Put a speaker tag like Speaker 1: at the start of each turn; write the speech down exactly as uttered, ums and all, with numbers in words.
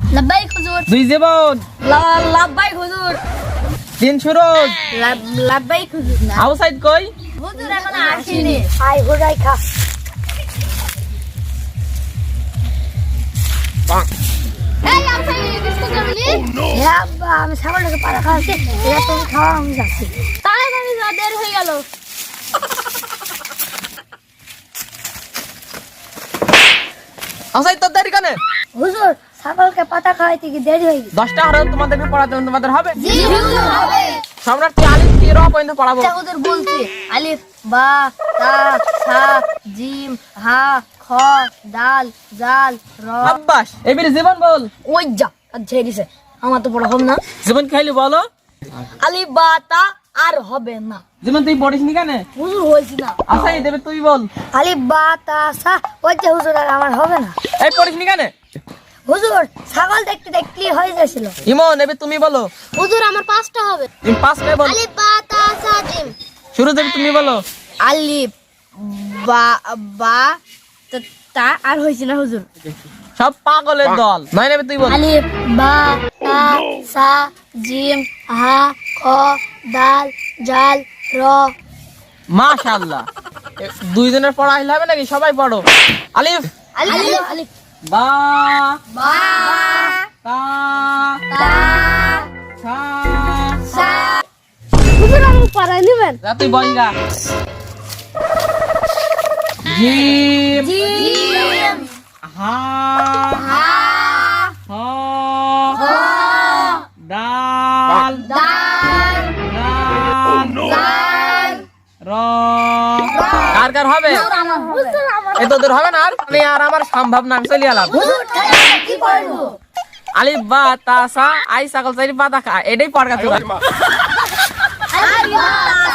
Speaker 1: লাব্বাইক হুজুর।
Speaker 2: দুই জীবন।
Speaker 1: লাব্বাইক হুজুর।
Speaker 2: তিন সুরজ।
Speaker 1: লাব্বাইক হুজুর।
Speaker 2: আউসাইদ কই?
Speaker 1: হুজুর এখন আসেনি। আই হুরাই খা। এই আউসাইদ বিস্কুট খাবি? হ্যাঁ আব্বা, আমি ছাগলটাকে পাড়া খাওয়াচ্ছি, এরা তুমি খাওয়া, আমি যাচ্ছি। তাড়াতাড়ি যা, দেরি হয়ে গেল।
Speaker 2: আউসাইদ তোর দেরি কেন?
Speaker 1: হুজুর ছাগলকে পাতা খাওয়াইতে কি দেরি হয়ে গেছে?
Speaker 2: দশটা হারাম তোমাদেরকে পড়াতে তোমাদের হবে?
Speaker 1: জি হুজুর হবে।
Speaker 2: সম্রাট তুই আলিফ থেকে র পর্যন্ত পড়াবো।
Speaker 1: আচ্ছা হুজুর বলছি, আলিফ বা তা সা জিম হা খ দাল জাল র।
Speaker 2: আব্বাস এবারে জীবন বল।
Speaker 1: ওই যা আর ছেড়ে দিছে, আমার তো পড়া হবে না।
Speaker 2: জীবন খাইলি বলো।
Speaker 1: আলিফ বা তা আর হবে না।
Speaker 2: জীবন তুই পড়িস নি কেন?
Speaker 1: হুজুর হয়েছি না।
Speaker 2: আচ্ছা এই দেবে তুই বল।
Speaker 1: আলিফ বা তা সা, ওই যে হুজুর আর আমার হবে না।
Speaker 2: এই পড়িস নি কেন?
Speaker 1: হুজুর ছাগল দেখতে দেখতে হয়ে যাচ্ছিল।
Speaker 2: ইমন এবে তুমি বলো।
Speaker 1: হুজুর আমার পাঁচটা হবে।
Speaker 2: তুমি পাঁচ করে বল।
Speaker 1: আলিফ বা তা সা জিম।
Speaker 2: শুরু দেবে তুমি বলো।
Speaker 1: আলিফ বা বা তা- তা আর হয়েছে না হুজুর।
Speaker 2: সব পাগলের দল। নয় নেবে তুই বল।
Speaker 1: আলিফ বা তা সা জিম হা খ দাল জাল র।
Speaker 2: মাশাআল্লাহ। এ, দুইজনের পড়া হইলে হবে নাকি? সবাই পড়ো। আলিফ
Speaker 1: আলিফ আলিফ
Speaker 2: বা
Speaker 1: বা
Speaker 2: তা
Speaker 1: তা
Speaker 2: সা।
Speaker 1: সা। হুজুর আমি পড়াই নেবেন।
Speaker 2: যা তুই বল গা। জিম
Speaker 1: জিম
Speaker 2: হা
Speaker 1: হা
Speaker 2: হ দাল
Speaker 1: দাল
Speaker 2: রান
Speaker 1: জাল
Speaker 2: র। কার কার হবে?
Speaker 1: আমার হুজুর আমার
Speaker 2: এ তোদের হবে না আর? আমি আর আমার সম্ভব না, আমি চলে এলাম।
Speaker 1: হুজুর খালি কি করব?
Speaker 2: আলিফ বা তা সা আই ছাগল চারি পাতা খা, এটাই পড়া তুই।
Speaker 1: আলিফ বা